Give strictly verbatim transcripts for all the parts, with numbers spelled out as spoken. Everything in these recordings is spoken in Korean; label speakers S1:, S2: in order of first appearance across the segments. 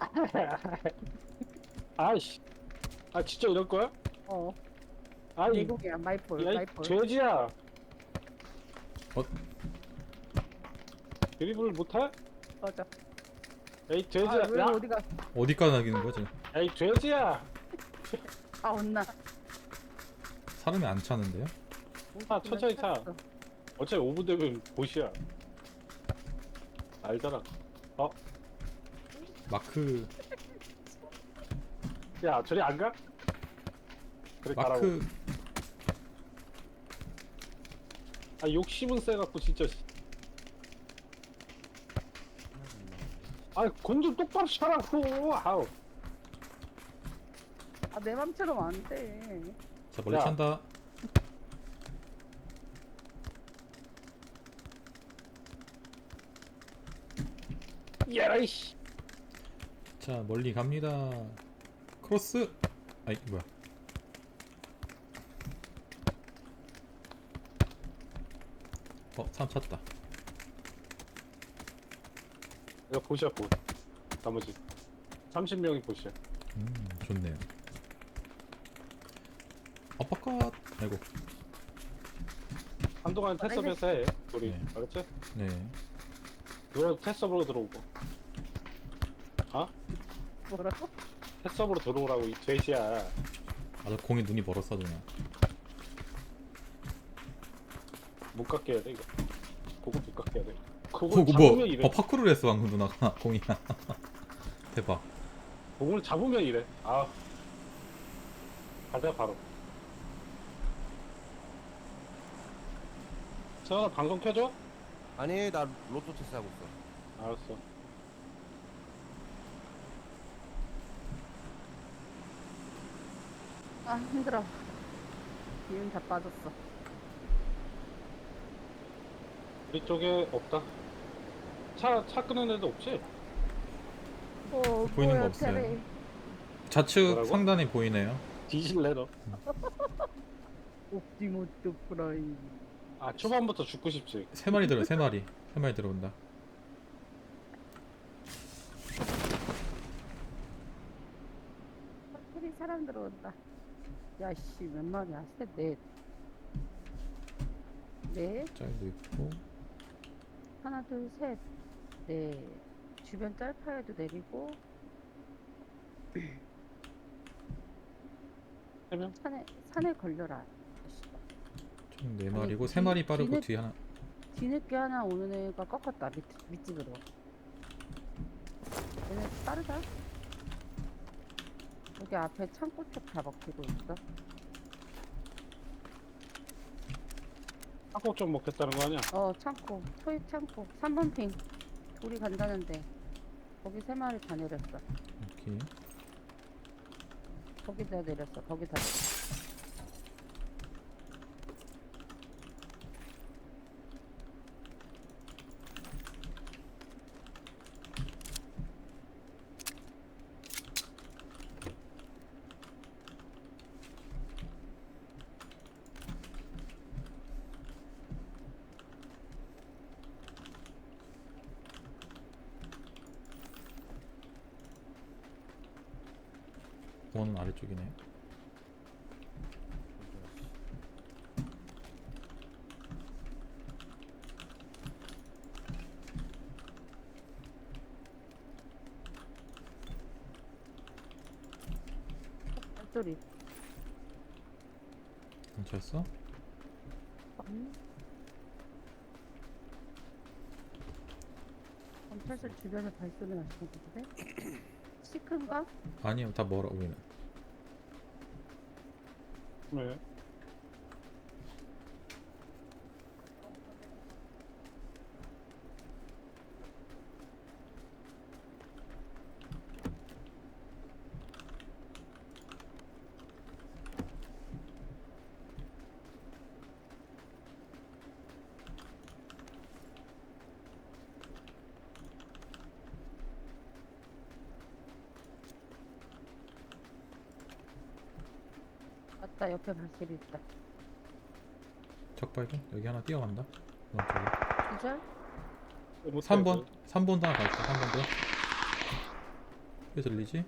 S1: 아이씨. 아 진짜 이럴 거야?
S2: 어.
S1: 아이
S2: 내국이야 마이폴
S1: 야이
S2: 마이폴.
S1: 돼지야.
S3: 어?
S1: 드리블 못해?
S2: 맞아.
S1: 야이 돼지야.
S2: 아왜
S1: 야,
S2: 어디가?
S3: 어디까지 나기는 거지?
S1: 야이 돼지야.
S2: 아 혼나.
S3: 사람이 안 차는데요?
S1: 아 천천히 차.
S2: 찼어.
S1: 어차피 오 분 되면 보시야. 알잖아.
S3: 마크
S1: 야 저리 안 가? 그래 가라고.
S3: 마크
S1: 아 욕심은 세갖고 진짜. 아건 좀 똑바로 차라고. 아우.
S2: 아내 맘처럼 안 돼.
S3: 자 멀리
S1: 야.
S3: 찬다.
S1: 야이씨.
S3: 자 멀리 갑니다. 크로스. 아이 뭐야? 어 사람 찼다.
S1: 이거 보시야 보. 나머지 삼십 명이 보시야.
S3: 음 좋네요. 아빠까 아이고.
S1: 한동안 테스업에서 해. 우리
S3: 네.
S1: 알았지?
S3: 네.
S1: 그거 테스업으로 들어오고. 어?
S2: 뭐라고?
S1: 테스업으로 들어오라고 이 돼지야.
S3: 아저 공에 눈이 멀었어 그냥.
S1: 못 갖게 해야 돼 이거. 그거 못 갖게 해야 돼. 그거
S3: 그거
S1: 잡으면
S3: 뭐?
S1: 이래.
S3: 어 파크를 했어 방금 누나가 공이야. 대박.
S1: 공을 잡으면 이래. 아. 가자 바로. 세원아 방송 켜줘?
S4: 아니 나 로또 테스트 하고 있어.
S1: 알았어.
S2: 아 힘들어. 기운 다 빠졌어.
S1: 우리 쪽에 없다. 차, 차 끄는 애도 없지?
S2: 어
S3: 보이는
S2: 뭐야,
S3: 거 없어요.
S2: 테레.
S3: 좌측
S1: 뭐라고?
S3: 상단에 보이네요.
S1: 뒤질래 너.
S2: 옵티모스 프라임.
S1: 아 초반부터 죽고 싶지.
S3: 세 마리 들어 세 마리 세 마리 들어온다.
S2: 테레 사람 들어온다. 야씨 몇 마리야? 셋, 넷. 넷.
S3: 짤도 있고.
S2: 하나 둘 셋. 넷. 주변 짤파에도 내리고
S1: 세 명?
S2: 산에 산에 걸려라.
S3: 총 네
S2: 아니,
S3: 마리고
S2: 뒤-
S3: 세 마리 빠르고
S2: 뒤늦-
S3: 뒤 하나.
S2: 뒤늦게 하나 오는 애가 꺾었다. 밑, 밑집으로. 얘네 빠르다. 여기 앞에 창고 쪽 다 먹히고 있어.
S1: 한국 좀 먹겠다는 거 아니야?
S2: 어 창고. 토입 창고. 삼 번 핑. 우리 간다는데. 거기 세 마리 다 내렸어.
S3: 오케이.
S2: 거기다 내렸어. 거기다.
S3: 공원은 아래쪽이네.
S2: 소리.
S3: 괜찮았어?
S2: 음. 검찰실 주변에 발소리 나시는 건데? 시큰가?
S3: 아니요 다 멀어 우리는.
S1: 왜?
S2: 맞다, 옆에 발소리 있다.
S3: 적발견? 여기 하나 뛰어간다. 오른쪽에.
S2: 기절?
S1: 못해,
S3: 삼 번 삼 번도 하나 갈까? 삼 번도. 왜 들리지?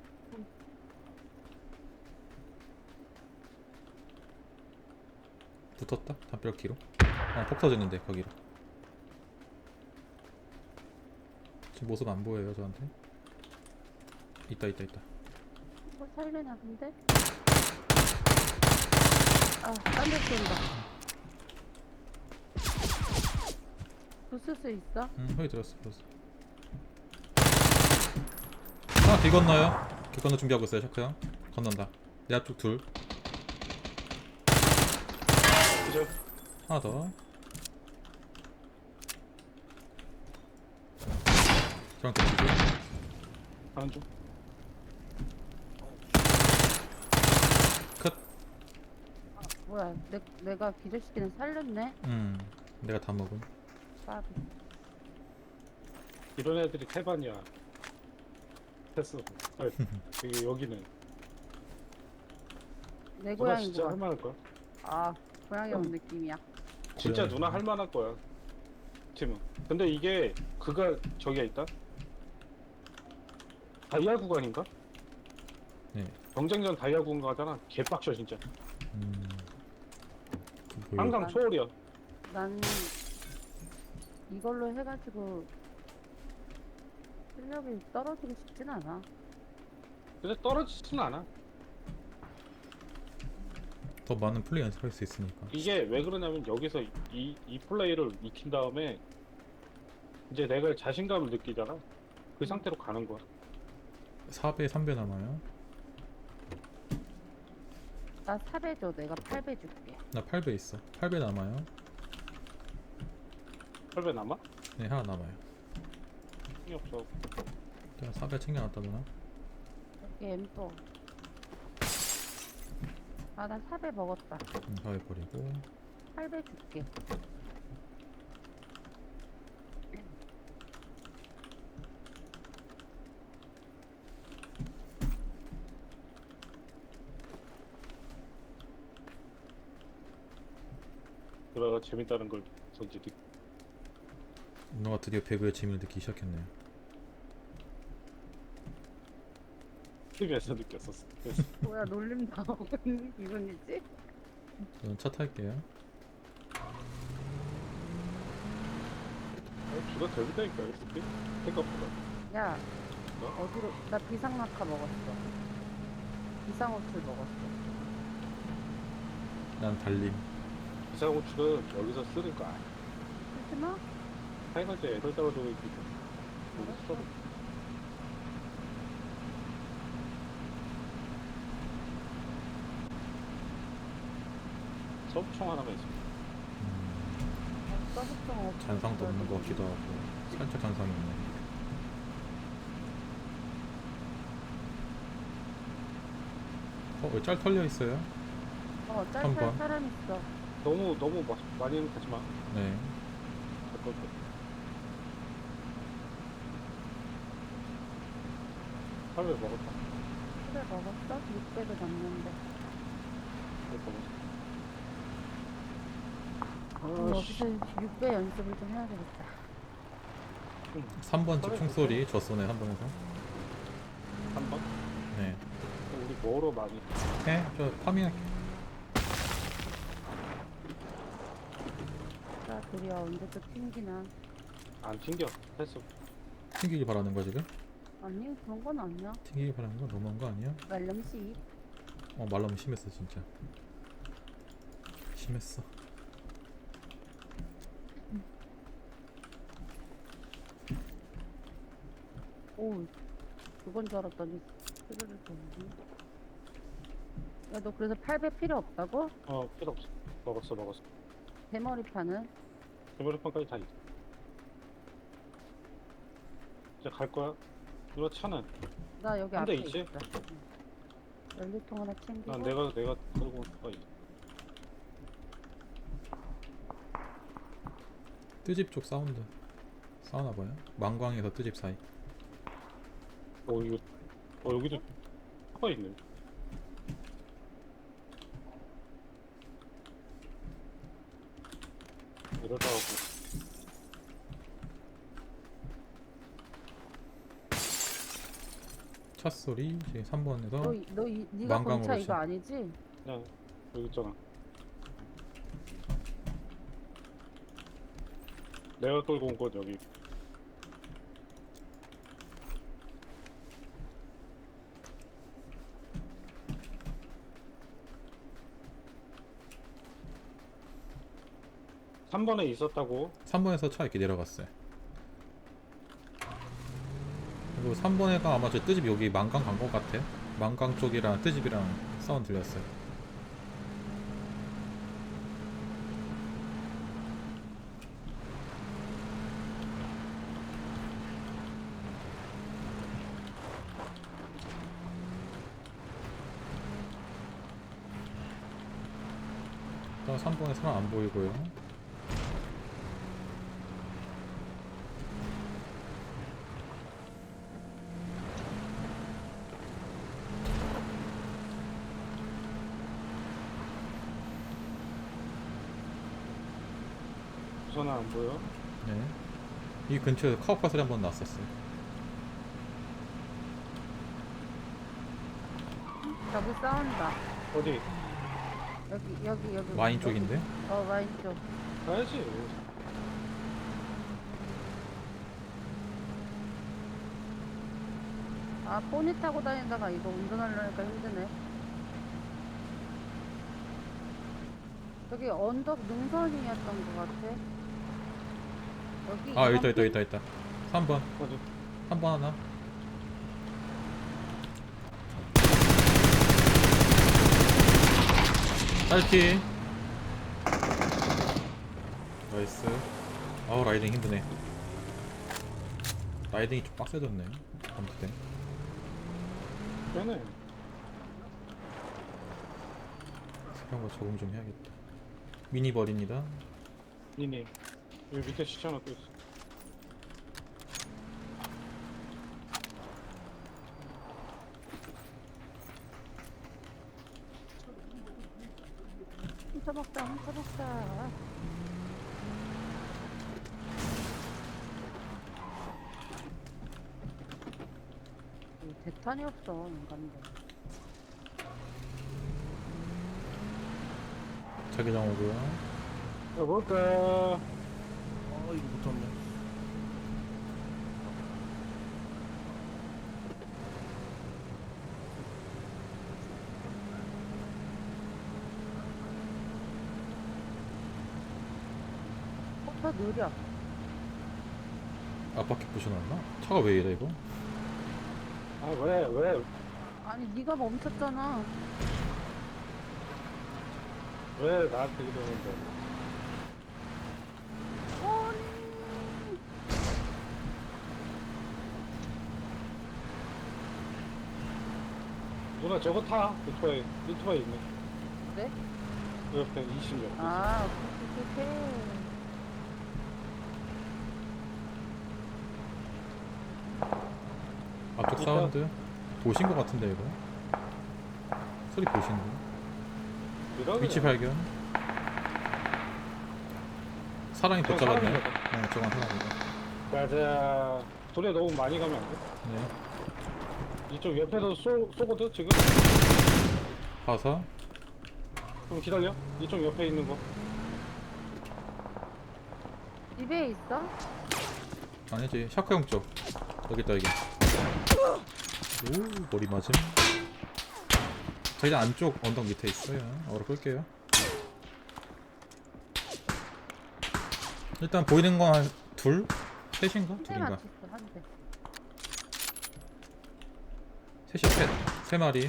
S3: 붙었다? 담벼락뒤로. 어, 폭 터졌는데 거기로. 지금 모습 안 보여요 저한테. 있다 있다 있다.
S2: 이거 살려나 본데? 아, 딴데 쏜다. 부술 수 있어?
S3: 응, 소리 들었어 들었어. 하나 길 건너요. 길 건너 준비하고 있어요 샤크 형. 건넌다. 내 앞쪽 둘.
S1: 그죠?
S3: 하나 더. 저랑 겹치고.
S1: 하는 중.
S3: 컷.
S2: 뭐야, 내, 내가 기절시키는 살렸네?
S3: 음, 내가 다 먹음.
S2: 까비.
S1: 이런 애들이 태반이야. 패스. 아, 여기 여기는
S2: 내
S1: 누나
S2: 고양이
S1: 진짜
S2: 뭐야?
S1: 할만할 거야.
S2: 아, 고양이 온 느낌이야.
S1: 진짜
S3: 고양이.
S1: 누나 할만할 거야. 팀은. 근데 이게 그가 저기가 있다. 다이아 구간인가?
S3: 네.
S1: 경쟁전 다이아 구간 가잖아. 개빡쳐 진짜.
S3: 음. 그
S1: 항상
S2: 난-
S1: 초월이야.
S2: 난 이걸로 해가지고 실력이 떨어지고 싶진 않아.
S1: 근데 떨어지지는 않아.
S3: 더 많은 플레이 연습할 수 있으니까.
S1: 이게 왜 그러냐면 여기서 이, 이 플레이를 익힌 다음에 이제 내가 자신감을 느끼잖아. 그 상태로 가는 거야.
S3: 사 배, 삼 배 남아요.
S2: 나 사 배 줘. 내가 팔 배 줄게.
S3: 나 팔 배 있어. 팔 배 남아요.
S1: 팔 배 남아?
S3: 네, 하나 남아요.
S1: 힘이 없어.
S3: 내가 사 배 챙겨놨다 누나.
S2: 여기 M 또. 아, 나 사 배 먹었다.
S3: 음, 사 배 버리고.
S2: 팔 배 줄게.
S1: 누나가 재밌다는 걸 전지 느끼.
S3: 누나가 드디어 배구의 재미를 느끼기 시작했네요.
S1: 티비에서 느꼈었어. 그래서
S2: 뭐야, 놀림 당하고 있는 기분이지?
S3: 저는 차 탈게요.
S1: 어, 주가 재밌다니까 엑스피 생각보다.
S2: 야,
S1: 뭐?
S2: 어디로? 나 비상낙하 먹었어. 비상호출 먹었어.
S3: 난 달림.
S1: 비상호출은 여기서 쓰는 거야.
S2: 쓰지 마?
S1: 타이거즈 애들 잡아주고 있니까 여기 써. 서브총 하나만 있어.
S3: 음,
S2: 서브성 없어.
S3: 잔상도 없는 것 같기도 하고. 살짝 잔상이 있네. 어, 왜 짤 털려 있어요?
S2: 어,
S3: 한
S2: 짤짤
S3: 번.
S2: 사람 있어.
S1: 너무 너무 마, 많이는 가지 마.
S3: 네.
S1: 가까울 때. 팔 배 먹었다.
S2: 그래, 먹었어? 육 배도 남는데.
S1: 팔 배 먹었어.
S2: 어,
S1: 아, 씨.
S2: 여기서 육 배 연습을 좀 해야 되겠다.
S3: 삼 번 집 총소리 저 쏘네 한 번에서.
S1: 한 번?
S3: 네.
S1: 우리 뭐로 많이
S3: 해? 저 파밍할게.
S2: 자, 둘이야 언제 또 튕기나.
S1: 안 튕겨. 했어.
S3: 튕기길 바라는 거 지금?
S2: 아니, 그런 건 아니야.
S3: 튕기길 바라는 거 너무한 거 아니야?
S2: 말렴씨.
S3: 어 말라면 심했어 진짜. 심했어.
S2: 오, 그건 줄 알았더니 스르르 줬네. 야, 너 그래서 팔 배 필요 없다고?
S1: 어 필요 없어. 먹었어 먹었어.
S2: 대머리판은?
S1: 대머리판까지 다 있어. 이제 갈 거야. 누나 차는?
S2: 나 여기
S1: 한 대
S2: 앞에
S1: 있지?
S2: 있어. 응. 연료통 하나 챙기고.
S1: 난 내가 내가 끌고 올 거야.
S3: 뜨집 쪽 사운드. 싸우나 봐요. 망광에서 뜨집 사이.
S1: 어 이거 어 여기도 차가 있네. 이러다 하고
S3: 차 소리 지금 삼 번에서
S2: 너, 이- 너 이, 네가
S3: 망강으로
S2: 본차 이거
S3: 쳐.
S2: 아니지?
S1: 그냥 여기 있잖아. 내가 끌고 온 곳 여기. 삼 번에 있었다고.
S3: 삼 번에서 차 이렇게 내려갔어요. 그리고 삼 번에가 아마 저 뜨집 여기 망강 간 것 같아요. 망강 쪽이랑 뜨집이랑 사운드 들렸어요. 일단 삼 번에 사람 안 보이고요.
S1: 우선은 안 보여.
S3: 네. 이 근처에서 카우파 소리 한번 났었어요.
S2: 저기 싸운다.
S1: 어디?
S2: 여기 여기 여기.
S3: 와인
S2: 여기.
S3: 쪽인데?
S2: 어 와인 쪽.
S1: 가야지.
S2: 아 포니 타고 다니다가 이거 운전하려니까 힘드네. 저기 언덕 능선이었던 것 같아. 여기.
S3: 아, 여기 있다,
S2: 이번
S3: 있다,
S2: 핀?
S3: 있다, 있다. 삼 번.
S1: 어디?
S3: 삼 번 하나. 딸피. 나이스. 아우, 라이딩 힘드네. 라이딩이 좀 빡세졌네. 아무튼.
S1: 빼네.
S3: 새로운 거 적응 좀 해야겠다. 미니버리입니다.
S1: 니니. 여기 밑에 시체 하나 또 있어.
S2: 훔쳐 먹자 훔쳐 먹자. 이 대탄이 없어 인간들.
S3: 자기장 오고요.
S1: 야, 뭘까?
S4: 어 이거 붙었네.
S2: 오빠 느려.
S3: 앞바퀴 부셔놨나? 차가 왜 이래 이거?
S1: 아, 왜, 왜,
S2: 아니 네가 멈췄잖아.
S1: 왜 나한테 이러는데?
S2: 아니.
S1: 누나 저거 타. 오토바이, 오토바이 있네.
S2: 그래?
S1: 그 옆에 이십 년.
S2: 아 그렇게.
S3: 앞쪽
S1: 있다.
S3: 사운드 보신 것 같은데 이거? 소리 보시는 거?
S1: 이러네.
S3: 위치 발견. 사람이
S1: 저건
S3: 붙잡았네.
S1: 사람인가
S3: 네, 저건 사람이다.
S1: 가자. 소리 너무 많이 가면 안 돼?
S3: 네.
S1: 이쪽 옆에서 쏘, 쏘거든, 지금?
S3: 가사.
S1: 좀 기다려. 이쪽 옆에 있는 거.
S2: 집에 있어?
S3: 아니지. 샤크 형 쪽. 여기 있다 여기. 오, 머리 맞음. 저희 안쪽 언덕 밑에 있어요. 얼어 끌게요. 일단 보이는 건 한 둘? 셋인가?
S2: 한 대
S3: 둘인가?
S2: 맞췄어 한 대.
S3: 셋이 셋. 세 마리.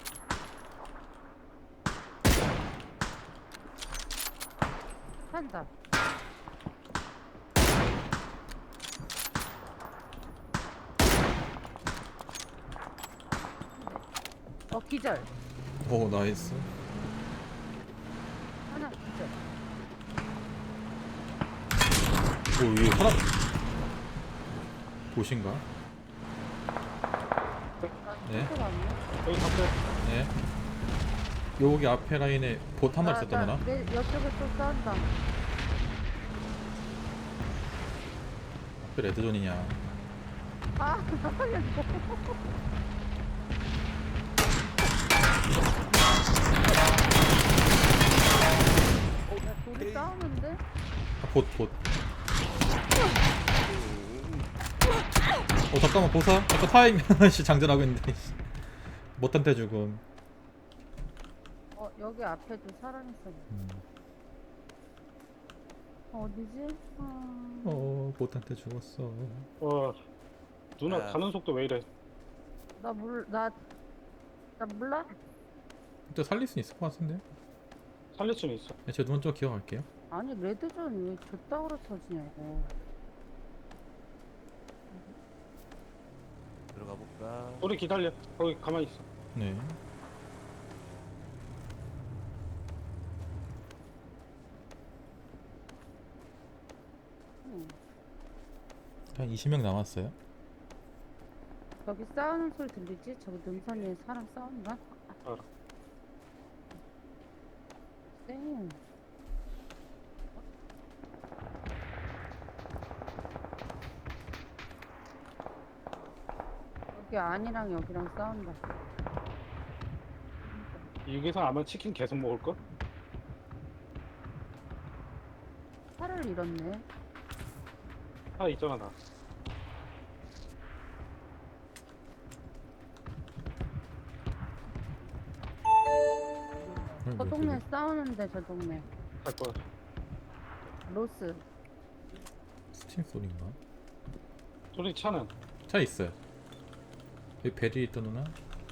S2: 한다. 어 기절.
S3: 오, 나이스.
S2: 하나 기절.
S3: 오, 이 사람 보신가? 네.
S2: 네.
S1: 여기 앞에.
S3: 네. 여기 앞에 라인에 봇 한 마리 있었다거나.
S2: 내 옆쪽에 또 싸운다.
S3: 앞에 레드존이냐.
S2: 아 살려줘.
S3: 봇, 봇. 어, 잠깐만, 보사. 아까 타임, 씨, 장전하고 있는데, 씨. 못한테 죽음.
S2: 어 여기 앞에도 사람 있어.
S3: 음.
S2: 어디지? 아...
S3: 어, 못한테 죽었어.
S1: 와 누나
S4: 아.
S1: 가는 속도 왜 이래?
S2: 나몰나나 몰라?
S3: 또 살릴 수 있을 것 같은데?
S1: 살릴 수는 있어.
S3: 네, 제가 눈 좀 기억할게요.
S2: 아니 레드존 왜 저따구로 터지냐고.
S4: 들어가 볼까?
S1: 우리 기다려. 거기 가만히 있어.
S3: 네.
S2: 응.
S3: 한 이십 명 남았어요.
S2: 저기 싸우는 소리 들리지? 저기 능선 위에 사람 싸운다?
S1: 알아.
S2: 쌩. 여기 안이랑 여기랑 싸운다.
S1: 여기서 아마 치킨 계속 먹을 걸?
S2: 차를 잃었네.
S1: 아 있잖아 나.
S3: 음,
S2: 저 동네 싸우는데 저 동네.
S1: 갈 거야.
S2: 로스.
S3: 스팀 소리인가?
S1: 우리 차는
S3: 차 있어요. 여기 베리 있던 누나?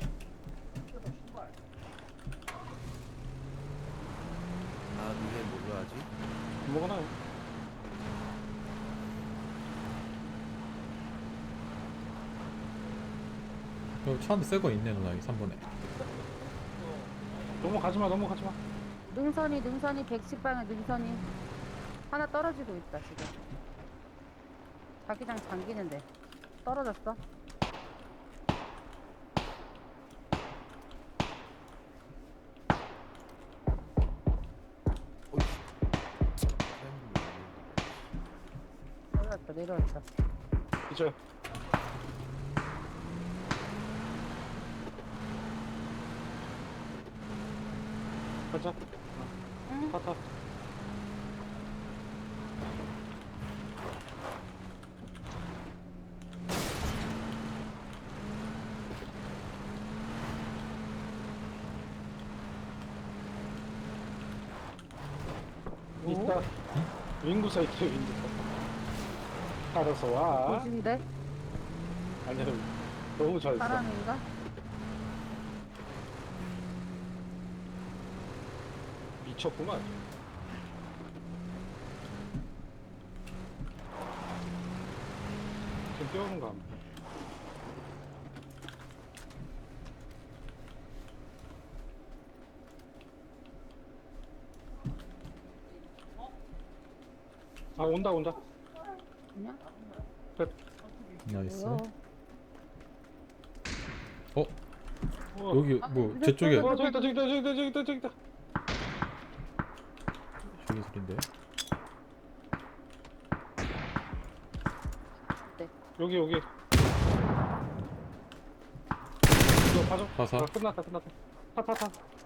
S4: 아 위에 뭘로 하지?
S1: 아무거나 해.
S3: 여기 차 한 대 새 거 있네 누나 여기 삼 번에.
S1: 넘어가지마 넘어가지마.
S2: 능선이 능선이 백십 방에 능선이 하나 떨어지고 있다 지금. 자기장 잠기는데 떨어졌어. 내려왔다 내려왔다.
S1: 이제 가자.
S2: 응?
S1: 타타. 있다. 윙구사 있대 윙구사. 알아서 와.
S2: 보신데?
S1: 아니야 너무 잘 있어.
S2: 사람인가?
S1: 미쳤구만. 지금 뛰어오는 거 아니야? 아 온다 온다.
S2: 그냥?
S3: 나이스.
S2: 뭐야?
S3: 어?
S1: 어,
S3: 여기
S2: 아,
S3: 뭐
S2: 근데
S3: 제 쪽에
S1: 어 저기 있다 저기 있다 저기 있다 저기 있다 저기 있다.
S3: 저기 소린데.
S1: 여기 여기. 이거 봐줘.
S3: 가사.
S1: 아, 끝났다 끝났다. 타타타.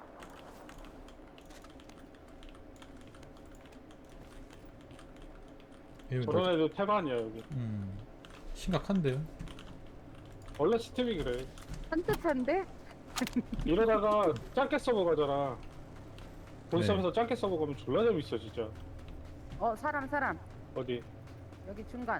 S3: 이거
S1: 저런
S3: 뭐-
S1: 애도 태반이야 여기.
S3: 음 심각한데요?
S1: 원래 스팀이 그래.
S2: 산뜻한데?
S1: 이러다가 짧게 서버 가잖아. 본섬에서 짧게 서버 가면 졸라 재밌어 진짜.
S2: 어 사람 사람
S1: 어디?
S2: 여기 중간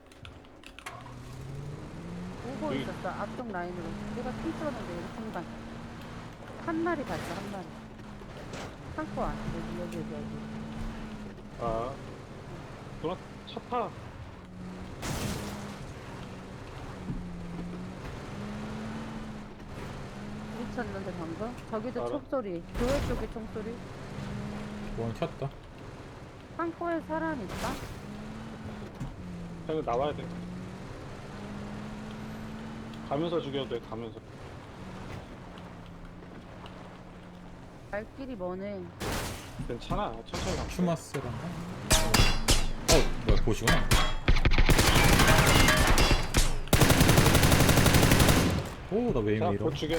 S2: 오고
S1: 여기.
S2: 있었어 앞쪽 라인으로. 내가 핑 찍었는데 여기 중간 한 마리 봤어 한 마리. 창고 안 여기 여기 여기 여기.
S1: 아, 누나 차 타.
S2: 부딪혔는데 방금? 저기도
S1: 알아.
S2: 총소리. 교회 쪽에 총소리.
S3: 원 켰다.
S2: 창고에 사람 있다?
S1: 그냥 나와야 돼. 가면서 죽여도 돼. 가면서.
S2: 발길이 머네.
S1: 괜찮아. 천천히 가.
S3: 추마스란가? 어 뭐야 보시구나. 오 나 왜
S1: 자,
S3: 이러?
S1: 곧 죽여.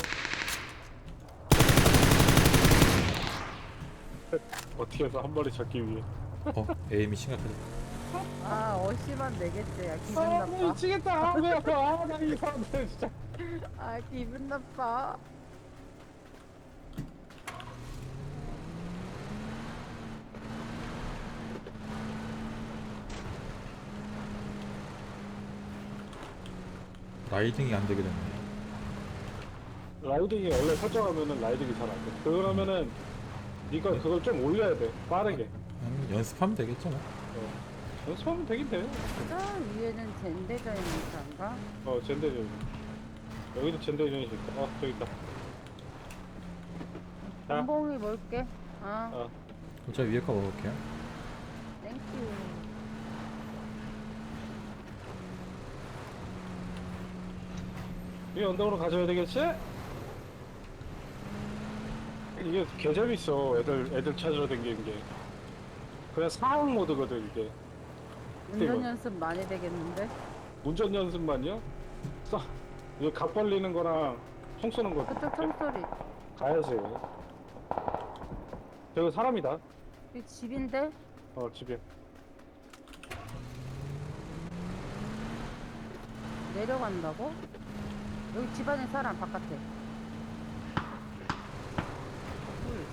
S1: 어떻게 해서 한 마리 잡기 위해.
S3: 어 에임이 심각하지.
S2: 아 어시만 내겠지. 야 기분
S1: 아
S2: 나빠.
S1: 미치겠다. 아, 왜 아파. 나 이 사람들 진짜.
S2: 아 기분 나빠.
S3: 라이딩이 안 되게 됐네.
S1: 라이딩이 원래 설정하면은 라이딩이 잘 안 돼. 그러면은 네가 그걸 좀 올려야 돼. 빠르게.
S3: 음, 연습하면 되겠죠 뭐.
S1: 어. 연습하면 되긴 돼.
S2: 저 위에는 젠데자 있는 사람가?
S1: 어 젠데전. 여기도 젠데전이 있다. 어 저기 있다. 자.
S2: 봉봉이 뭘게? 아
S1: 어.
S3: 저 위에 거 먹을게요.
S2: 땡큐.
S1: 이 언덕으로 가져야 되겠지? 이게 개재밌어. 애들 애들 찾으러 다니는 게. 그냥 상황 모드거든 이게.
S2: 운전
S1: 이거.
S2: 연습 많이 되겠는데?
S1: 운전 연습만요? 써. 이거 각 벌리는 거랑 총 쏘는 거
S2: 그쪽 총소리.
S1: 가야지. 저거 사람이다.
S2: 이 집인데?
S1: 어 집에.
S2: 내려간다고? 여기 집 안에 사람 바깥에. 둘.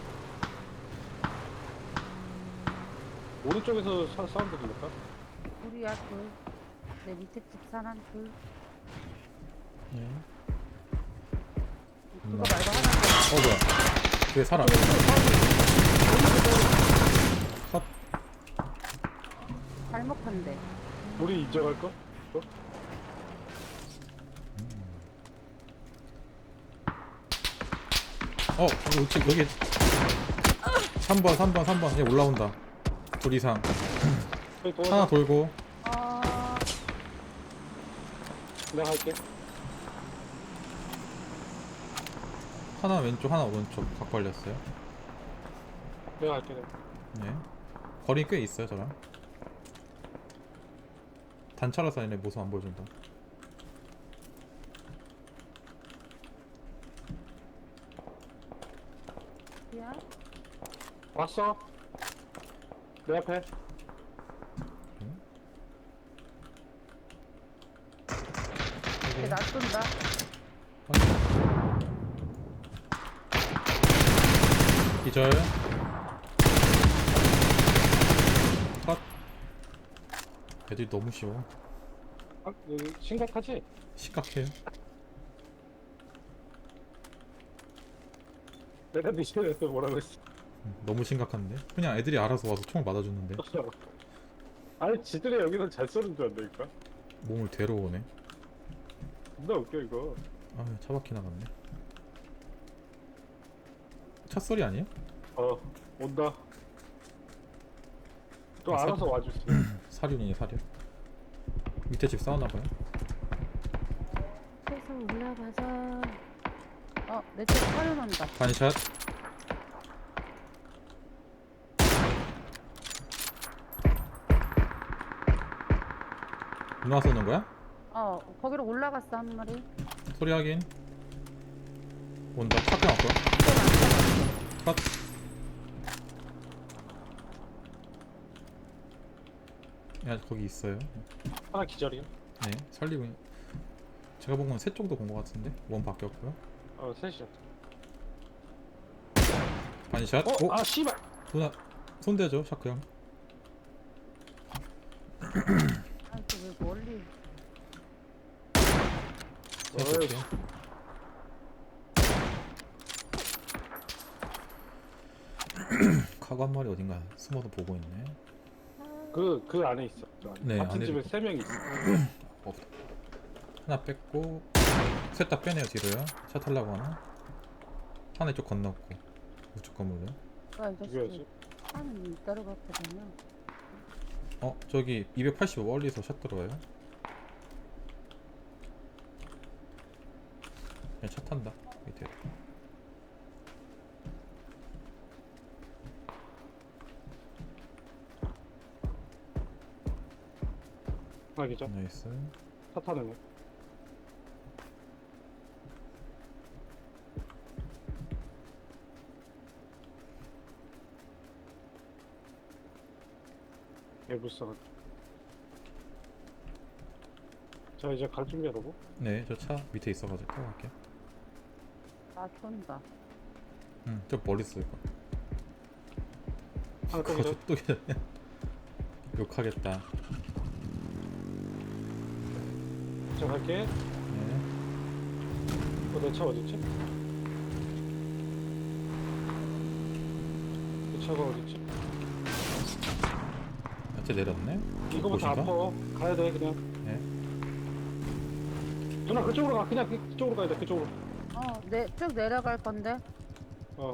S1: 오른쪽에서 사, 사운드 들릴까?
S2: 둘이야 둘. 내 밑에 집 사람 둘.
S3: 예.
S2: 그거
S3: 음.
S2: 말고 하나
S3: 어 뭐야? 뒤에 사람. 컷.
S2: 더. 발목한대.
S1: 우리 인정할 거? 또?
S3: 어 여기 여기 삼 번 삼 번 삼 번 얘 올라온다. 둘 이상.
S1: 여기 또
S3: 하나 돌고
S2: 어.
S1: 내가 할게.
S3: 하나 왼쪽 하나 오른쪽 각 걸렸어요.
S1: 내가 할게. 내가.
S3: 예. 거리 꽤 있어요 저랑. 단차라서 얘네 모습 안 보여준다.
S2: 야.
S1: 왔어. 내 앞에.
S2: 걔 낯선다.
S3: 기절. 컷. 애들이 너무 쉬워.
S1: 아, 여기 심각하지?
S3: 심각해요.
S1: 내가 니시에서 뭐라고 했어?
S3: 음, 너무 심각한데? 그냥 애들이 알아서 와서 총을 맞아주는데
S1: 아니 지들이 여기서 잘 쏘는 줄 안다니까?
S3: 몸을 데려오네.
S1: 존나 웃겨 이거.
S3: 아, 차 바퀴 나갔네. 차 소리 아니에요?
S1: 어 온다. 또
S3: 아,
S1: 알아서 와주지.
S3: 사륜이네 사륜. 밑에 집 싸우나봐요.
S2: 계속 올라가자. 어, 내 쪽 사려놓는다.
S3: 반샷. 누나 쏘는 거야?
S2: 어, 거기로 올라갔어, 한 마리.
S3: 소리 확인. 온다. 차표 왔고. 컷. 야, 거기 있어요.
S1: 하나 기절이야.
S3: 네, 살리고. 있- 제가 본 건 셋 정도 본 것 같은데. 원 바뀌었고요.
S1: 어 셋이야.
S3: 반샷.
S1: 어?
S3: 오!
S1: 아 씨발.
S3: 누나 손대죠, 샤크 형.
S2: 아, 왜 멀리.
S3: 제가
S1: 어이,
S3: 볼게요. 카고 한 마리 어딘가 숨어서 보고 있네.
S1: 그, 그 안에 있어. 그 안에.
S3: 네,
S1: 같은
S3: 안에
S1: 집에
S3: 있-
S1: 세 명 있어.
S3: 없다. 하나 뺐고 셋 다 빼네요 뒤로요. 차 타려고 하나. 하나 이쪽 건넜고 우측 건물로.
S2: 아, 이 자식이.
S1: 죽여야지.
S2: 차는 이따로 갖고 다녀.
S3: 어 저기 이백팔십오 멀리서 샷 들어와요. 그냥 차 탄다 밑에.
S1: 하나 기절.
S3: 나이스.
S1: 차 타는 애. 개불쌍한. 자 이제 갈 준비하라고.
S3: 네, 저 차 밑에 있어가지고 타고 갈게요.
S2: 나 쏜다.
S3: 응, 저 멀리 있을 거.
S1: 하나 또
S3: 그거
S1: 기다려.
S3: 또 기다려. 욕하겠다.
S1: 자 갈게.
S3: 네,
S1: 어, 내 차 어딨지? 내 차가 어딨지?
S3: 어째 내렸네.
S1: 이거부터
S3: 보신가?
S1: 아파. 가야 돼 그냥.
S3: 네.
S1: 누나 그쪽으로 가. 그냥 그- 그쪽으로 가야 돼. 그쪽으로.
S2: 어, 내, 쭉 내려갈 건데.
S1: 어.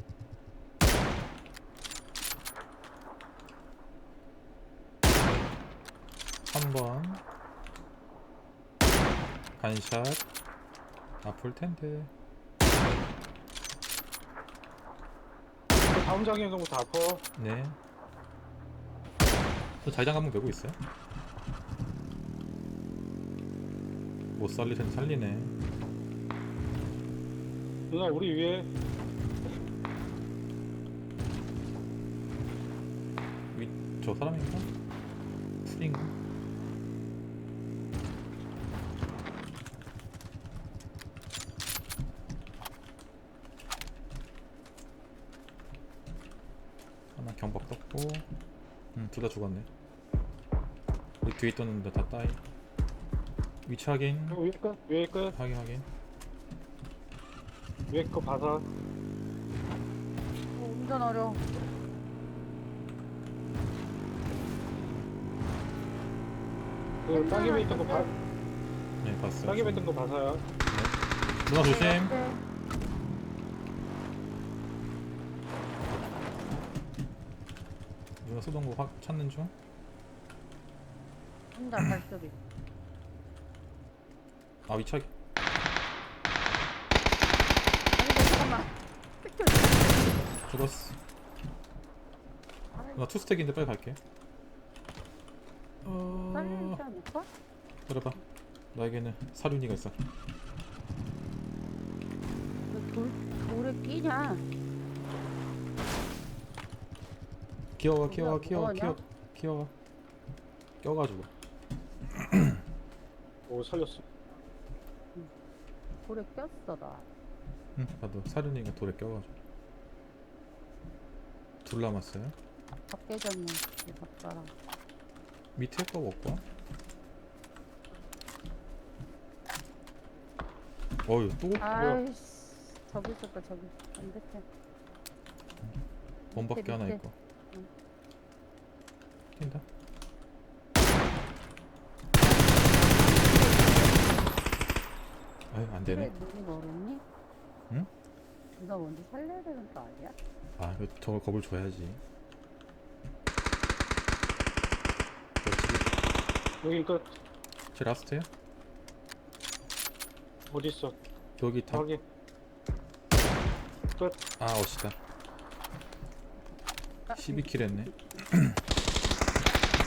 S3: 한 번. 반샷. 아플 텐데.
S1: 그 다음 장애 정도부터 아파.
S3: 네. 저 자기장 감독 되고 있어요. 못 살릴 텐데 살리네.
S1: 누나 우리 위에
S3: 위, 저 사람인가? 풀인가? 하나 경박 떴고, 음, 둘 다 죽었네. 우리 뒤에 떴는데 다 따이. 위치 확인.
S1: 어, 위에 끝 위에 끝
S3: 확인 확인.
S1: 위에 거 봐서.
S2: 어, 운전 어려워.
S1: 그 따개비 있던 거 봐.
S3: 네, 봤어요.
S1: 따개비 있던 거 봐서야.
S3: 누나 조심.
S2: 네.
S3: 누나 쏘던 거 확 찾는 중.
S2: 혼자 발소리.
S3: 아, 위치 확인.
S2: 아니, 잠깐만.
S3: 죽었어. 누나 투스택인데 빨리 갈게. 어...
S2: 살리지 않을까?
S3: 그래봐. 나에게는 사륜이가 있어.
S2: 너 돌, 돌에 끼냐?
S3: 기어가, 기어가,
S2: 뭐야,
S3: 기어가,
S2: 뭐하냐?
S3: 기어, 기어가. 껴가지고.
S1: 오 살렸어.
S2: 돌에 꼈어, 나.
S3: 응, 나도 사륜이가 돌에 껴가지고. 둘 남았어요.
S2: 다 깨졌네, 이 닭가랑.
S3: 밑에 거 먹고. 어휴, 또
S2: 아이씨, 저기 있었다, 저기. 반대편.
S3: 범밖에
S2: 밑에,
S3: 하나
S2: 밑에.
S3: 있고.
S2: 응.
S3: 뛴다. 아유, 안
S2: 그래,
S3: 되네.
S2: 눈이 멀었니?
S3: 응?
S2: 누가 먼저 살려야 되는 거 아니야?
S3: 아, 이거 저걸 겁을 줘야지. 그렇지.
S1: 여기 끝.
S3: 제 라스트야?
S1: 어디 있어?
S3: 여기 다.
S1: 저기. 끝.
S3: 아, 어시다.
S2: 아,
S3: 십이 킬 했네.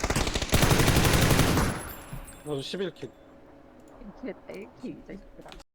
S1: 나도 십일 킬.
S2: 이렇게 했다, 이렇게 이 자식들아.